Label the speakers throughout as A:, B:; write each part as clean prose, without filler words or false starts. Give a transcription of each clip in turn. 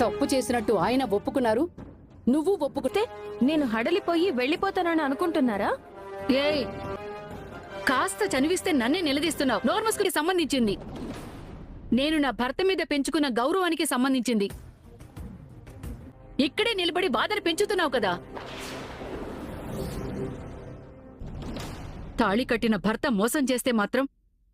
A: తప్పు చేసినట్టు ఆయన ఒప్పుకున్నారు, నువ్వు ఒప్పుకుంటే
B: నేను హడలిపోయి వెళ్ళిపోతానని అనుకుంటున్నారా?
A: ఏయ్, కాస్త చనివిస్తే నన్నే నిలదీస్తున్నావు. నోర్మస్కి సంబంధించింది, నేను నా భర్త మీద పెంచుకున్న గౌరవానికి సంబంధించింది. ఇక్కడే నిలబడి బాధను పెంచుతున్నావు కదా. తాళి కట్టిన భర్త మోసం చేస్తే మాత్రం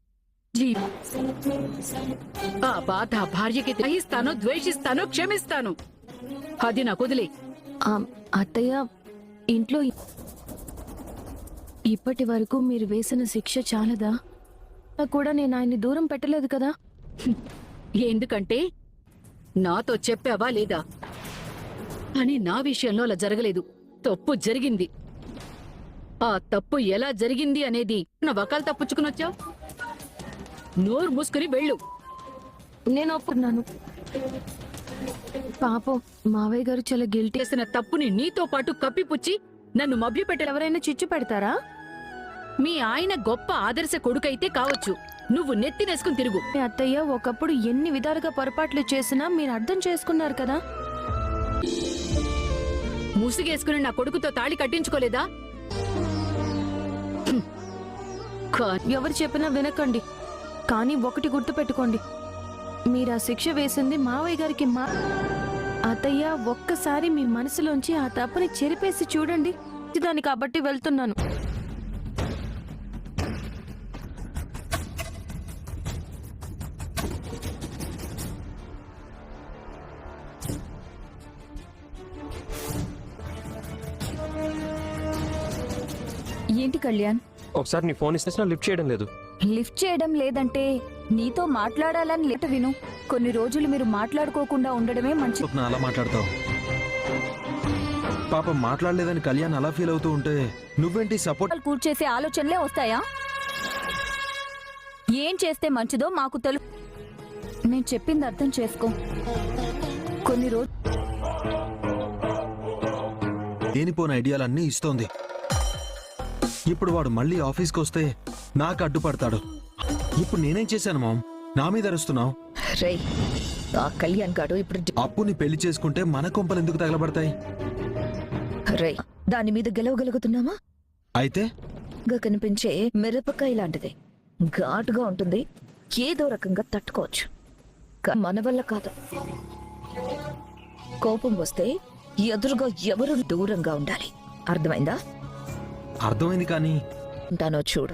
A: ఆ బాధ భార్యకి గ్రహిస్తాను, ద్వేషిస్తాను, క్షమిస్తాను. అది నాకు వదిలే.
B: అత్తయ్య, ఇంట్లో ఇప్పటి వరకు మీరు వేసిన శిక్ష చాలదా? కూడా నేను ఆయన్ని దూరం పెట్టలేదు కదా.
A: ఎందుకంటే నాతో చెప్పావా లేదా అని. నా విషయంలో అలా జరగలేదు. తప్పు జరిగింది. ఆ తప్పు ఎలా జరిగింది అనేది నా వకాలు తప్పుచ్చుకునొచ్చావు. నోరు మూసుకుని వెళ్ళు.
B: నేను ఒప్పుకున్నాను. పాపం మావయ్య గారు చాలా గిల్టీ.
A: చేసిన తప్పుని నీతో పాటు కప్పిపుచ్చి నన్ను మభ్యపెట్టే
B: ఎవరైనా చిచ్చు పెడతారా?
A: మీ ఆయన గొప్ప ఆదర్శ కొడుకైతే కావచ్చు, నువ్వు నెత్తినేసుకుని తిరుగు.
B: మీ అత్తయ్య ఒకప్పుడు ఎన్ని విధాలుగా పొరపాట్లు చేసినా మీరు అర్థం చేసుకున్నారు కదా.
A: ముసుగేసుకుని నా కొడుకుతో తాళి కట్టించుకోలేదా?
B: ఎవరు చెప్పినా వినకండి, కానీ ఒకటి గుర్తు పెట్టుకోండి, మీరు ఆ శిక్ష వేసింది మావయ్య గారికి. అత్తయ్య, ఒక్కసారి మీ మనసులోంచి ఆ తప్పుని చెరిపేసి చూడండి. దాన్ని కాబట్టి వెళ్తున్నాను.
C: ఏంటి కళ్యాణ్,
D: ఒకసారి నీ ఫోన్ ఇస్తే లిఫ్ట్ చేయడం లేదు.
C: లిఫ్ట్ చేయడం లేదంటే నీతో మాట్లాడాలని లేట విను. కొన్ని రోజులు మీరు మాట్లాడుకోకుండా ఉండడమే మంచి.
E: అలా మాట్లాడతావు? పాపం మాట్లాడలేదని కళ్యాణ్ అలా ఫీల్ అవుతూ ఉంటే నువ్వేంటి సపోర్ట్
C: కూర్చేసే ఆలోచనలే వస్తాయా? ఏం చేస్తే మంచిదో మాకు తెలుసు. నేను చెప్పింది అర్థం చేసుకో. కొన్ని రోజు
E: దేనిపోని ఐడియాలన్నీ ఇస్తోంది. ఇప్పుడు వాడు మళ్ళీ ఆఫీస్కి వస్తే నాకు అడ్డుపడతాడు. ఇప్పుడు నేనేం చేశాను మామ్? నా మీద అరుస్తున్నావు?
C: రేయ్, ఆ కళ్యాణ్ గాడు ఇప్పుడు
E: అప్పుని పెళ్లి చేసుకుంటే మన కొంపలు ఎందుకు తగలబడతాయి?
C: రేయ్, దాని మీద గెలవగలుగుతున్నామా?
E: అయితే
C: గా కనిపించే మిరపకాయ లాంటిది, ఘాటుగా ఉంటుంది, ఏదో రకంగా తట్టుకోవచ్చు. మన వల్ల కాదు. కోపం వస్తే ఎదురుగా ఎవరు దూరంగా ఉండాలి. అర్థమైందా?
E: అర్థమైంది, కానీ
C: ఉంటానో చూడు.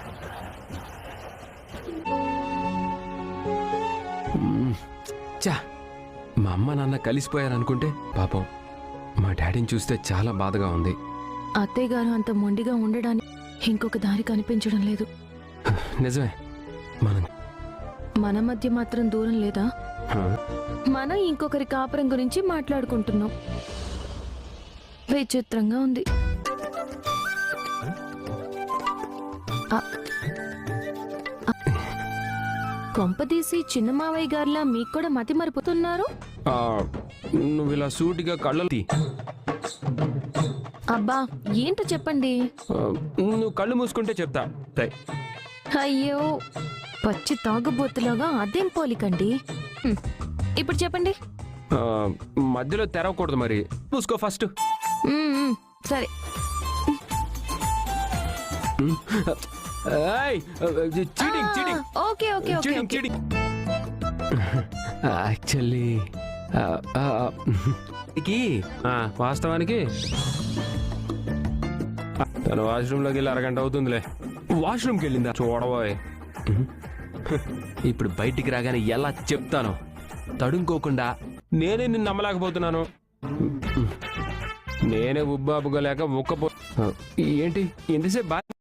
D: చా, మా అమ్మ నాన్న కలిసిపోయారనుకుంటే పాపం మా డాడీని చూస్తే చాలా బాధగా ఉంది.
B: అత్తయ్య గారు అంత మొండిగా ఉండడానికి ఇంకొక దారి కనిపించడం లేదు.
D: నిజమే,
B: మన మధ్య మాత్రం దూరం లేదా? మనం ఇంకొకరి కాపురం గురించి మాట్లాడుకుంటున్నాం. విచిత్రంగా ఉంది. కొంపదీసి చిన్న మావయ్య గారిలా మీకు కూడా మతి మరిపోతున్నారు.
D: నువ్వు ఇలా సూటిగా కళ్ళు
B: అబ్బా, ఏంటో చెప్పండి.
D: నువ్వు కళ్ళు మూసుకుంటే చెప్తా.
B: అయ్యో, పచ్చి తాగుబోతులాగా అదేం పోలికండి. ఇప్పుడు చెప్పండి.
D: మధ్యలో తెరవకూడదు, మరి మూసుకో ఫస్ట్.
B: సరే. Okay okay okay.
D: యాక్చువల్లీ వాస్తవానికి తను వాష్రూమ్లోకి వెళ్ళి అరగంట అవుతుందిలే. వాష్రూమ్కి వెళ్ళిందా చూడబోయ్. ఇప్పుడు బయటికి రాగానే ఎలా చెప్తాను తడుముకోకుండా. నేనే నిన్ను నమ్మలేకపోతున్నాను. నేనే ఉబ్బాబుకోలేక ఒక్కపో. ఏంటి ఎంతసేపు